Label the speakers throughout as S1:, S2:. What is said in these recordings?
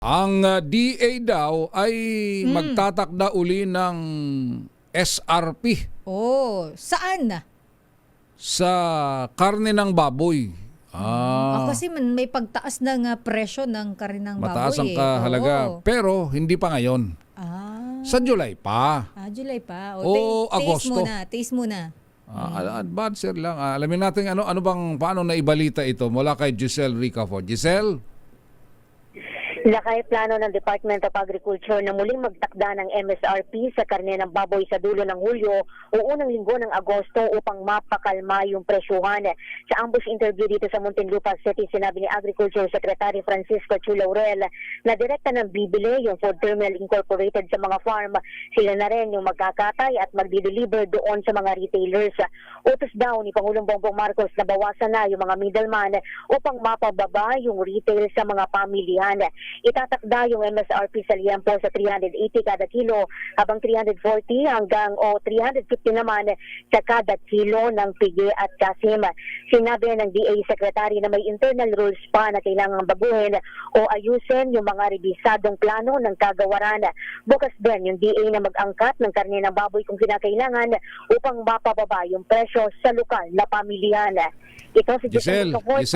S1: Ang DA daw ay magtatakda uli ng SRP
S2: Oh, saan na?
S1: sa karne ng baboy.
S2: Kasi may pagtaas ng presyo ng karinang
S1: Mataas ang
S2: baboy.
S1: kahalaga.
S2: Oo.
S1: Pero hindi pa ngayon. Sa July pa.
S2: July pa.
S1: O Agosto.
S2: Taste muna.
S1: Advancer lang. Alamin natin paano naibalita ito mula kay Giselle Ricafort. Giselle?
S3: Lakay plano ng Department of Agriculture na muling magtakda ng MSRP sa karne ng baboy sa dulo ng Hulyo o unang linggo ng Agosto upang mapakalma yung presyuhan. Sa ambush interview dito sa Muntinlupa City, sinabi ni Agriculture Secretary Francisco Chu Laurel na direkta ng bibili yung Food Terminal Incorporated sa mga farm. Sila na rin yung magkakatay at magdi-deliver doon sa mga retailers. Utos daw ni Pangulong Bongbong Marcos na bawasan na yung mga middleman upang mapababa yung retail sa mga pamilyan. Itatakda yung MSRP sa liempo sa 380 kada kilo habang 340 hanggang 350 naman sa kada kilo ng pigi at kasim. Sinabi ng DA Secretary na may internal rules pa na kailangang baguhin o ayusin yung mga rebisadong plano ng kagawaran. Bukas din yung DA na mag-angkat ng karne ng baboy kung kinakailangan upang mapababa yung presyo sa lokal na pamilihan. Ito si
S1: Giselle,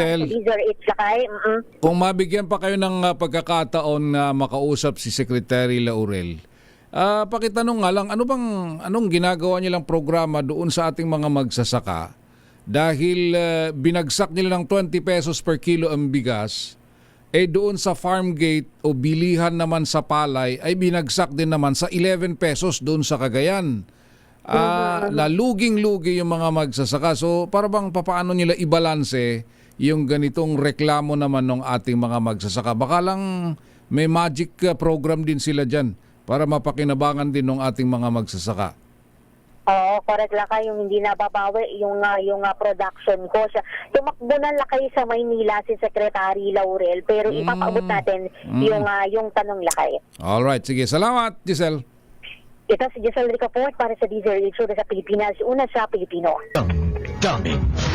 S1: kung mabigyan pa kayo ng pagkakataon na makausap si Secretary Laurel, pakitanong nga lang, anong ginagawa nilang programa doon sa ating mga magsasaka dahil binagsak nila ng 20 pesos per kilo ang bigas, doon sa farm gate o bilihan naman sa palay ay binagsak din naman sa 11 pesos doon sa Cagayan. Luging-lugi yung mga magsasaka. So para bang papaano nila ibalanse yung ganitong reklamo naman ng ating mga magsasaka? Baka lang may magic program din sila dyan para mapakinabangan din ng ating mga magsasaka.
S3: Oo, correct lang kayo, yung hindi nababawi yung production cost. Tumakbo na lakay sa Maynila si Secretary Laurel pero ipapaabot natin yung tanong lakay.
S1: Alright, sige. Salamat, Giselle.
S3: Ito si Giselle Ricafort para sa DZRH sa Pilipinas, una sa Pilipino.
S4: Daming